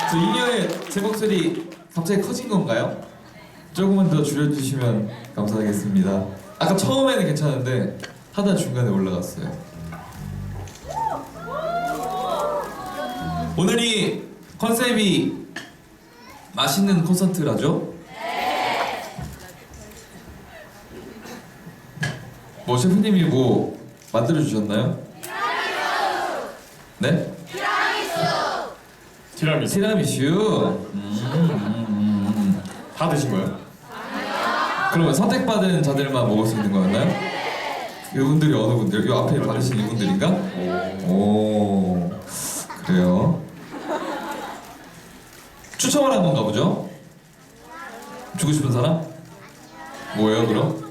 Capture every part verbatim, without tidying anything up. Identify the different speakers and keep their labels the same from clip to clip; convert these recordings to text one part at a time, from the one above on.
Speaker 1: 저 이녀의 제 목소리 갑자기 커진 건가요? 조금만 더 줄여주시면 감사하겠습니다. 아까 처음에는 괜찮은데 하다 중간에 올라갔어요. 오늘이 컨셉이 맛있는 콘서트라죠? 뭐 셰프님이 뭐 만들어주셨나요? 네?
Speaker 2: 티라미수.
Speaker 1: 티라미슈. 음, 음, 음.
Speaker 2: 다 드신 거예요?
Speaker 1: 그러면 선택받은 자들만 먹을 수 있는 거였나요? 이분들이 어느 분들? 이 앞에 받으신 이분들인가? 오, 그래요. 추첨을 한 건가 보죠? 주고 싶은 사람? 뭐예요 그럼?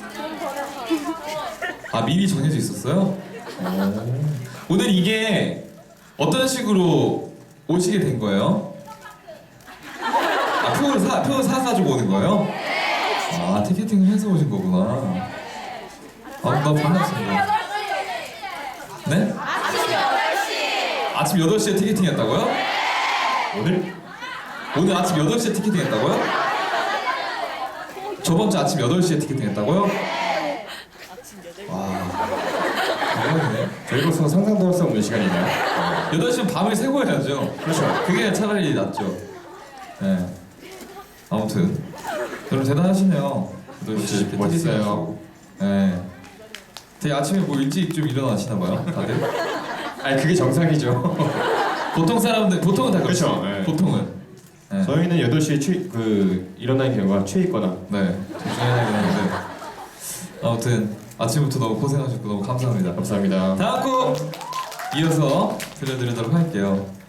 Speaker 1: 아 미리 정해져 있었어요? 오. 오늘 이게 어떤 식으로 오시게 된 거예요? 아 표를 사, 표 사가지고 오는 거예요? 아 티켓팅을 해서 오신 거구나. 아, 나 반갑습니다. 네? 아침 여덟 시에 티켓팅 했다고요?
Speaker 2: 오늘?
Speaker 1: 오늘 아침 여덟 시에 티켓팅 했다고요? 저번 주 아침 여덟 시에 티켓팅 했다고요? 와, 대박이네.
Speaker 2: 저희로서 상상도 할 수 없는 시간이네요.
Speaker 1: 여덟 시면 밤을 새고 해야죠.
Speaker 2: 그렇죠.
Speaker 1: 그게 차라리 낫죠. 네. 아무튼 여러분 대단하시네요. 여덟 시에 이렇게
Speaker 2: 멋있어요.
Speaker 1: 티켓팅 하시고. 네. 되게 아침에 뭐 일찍 좀 일어나시나 봐요, 다들.
Speaker 2: 아니 그게 정상이죠.
Speaker 1: 보통 사람들 보통은 다 그렇죠.
Speaker 2: 그렇죠, 네.
Speaker 1: 보통은. 네.
Speaker 2: 저희는 여덟 시에 취, 그 일어나는 경우가 취해 있거나.
Speaker 1: 네. 조심해야긴 하는데. 아무튼 아침부터 너무 고생하셨고 너무 감사합니다.
Speaker 2: 감사합니다.
Speaker 1: 다음 곡 이어서 들려드리도록 할게요.